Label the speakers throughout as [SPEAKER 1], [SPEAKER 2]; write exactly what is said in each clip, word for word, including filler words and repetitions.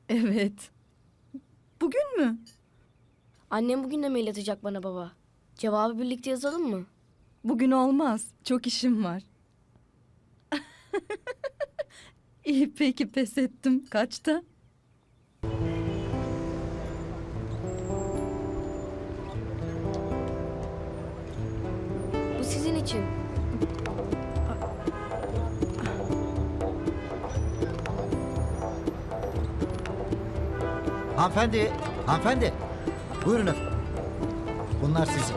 [SPEAKER 1] Evet. Bugün mü?
[SPEAKER 2] Annem bugün de mail atacak bana baba. Cevabı birlikte yazalım mı?
[SPEAKER 1] Bugün olmaz. Çok işim var. İyi peki pes ettim. Kaçta?
[SPEAKER 2] Bu sizin için.
[SPEAKER 3] Hanımefendi, hanımefendi. Buyurun efendim. Bunlar sizin.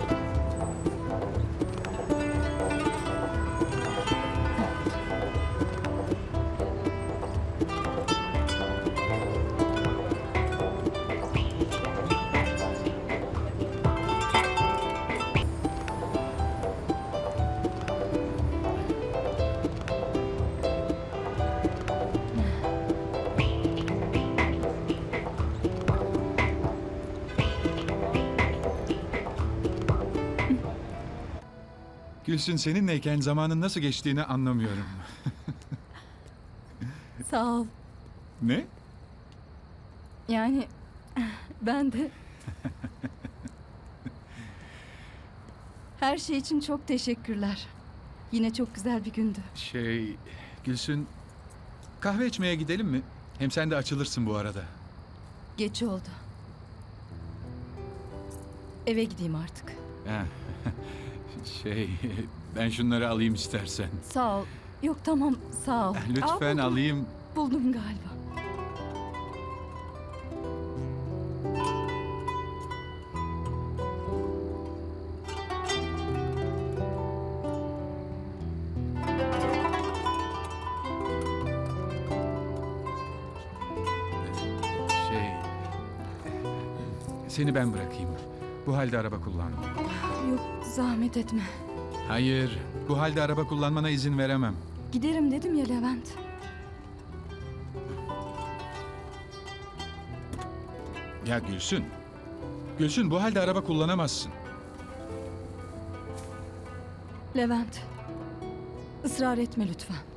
[SPEAKER 4] Gülsün, seninleyken zamanın nasıl geçtiğini anlamıyorum.
[SPEAKER 1] Sağ ol.
[SPEAKER 4] Ne?
[SPEAKER 1] Yani ben de... Her şey için çok teşekkürler. Yine çok güzel bir gündü.
[SPEAKER 4] Şey, Gülsün, kahve içmeye gidelim mi? Hem sen de açılırsın bu arada.
[SPEAKER 1] Geç oldu. Eve gideyim artık.
[SPEAKER 4] Ha, şey, ben şunları alayım istersen.
[SPEAKER 1] Sağ ol. Yok tamam sağ ol.
[SPEAKER 4] Lütfen
[SPEAKER 1] Aa, buldum.
[SPEAKER 4] alayım.
[SPEAKER 1] Buldum galiba.
[SPEAKER 4] Şey, seni ben bırakayım. Bu halde araba kullanma.
[SPEAKER 1] Yok zahmet etme.
[SPEAKER 4] Hayır, bu halde araba kullanmana izin veremem.
[SPEAKER 1] Giderim dedim ya Levent.
[SPEAKER 4] Ya Gülsün, Gülsün bu halde araba kullanamazsın.
[SPEAKER 1] Levent. Israr etme lütfen.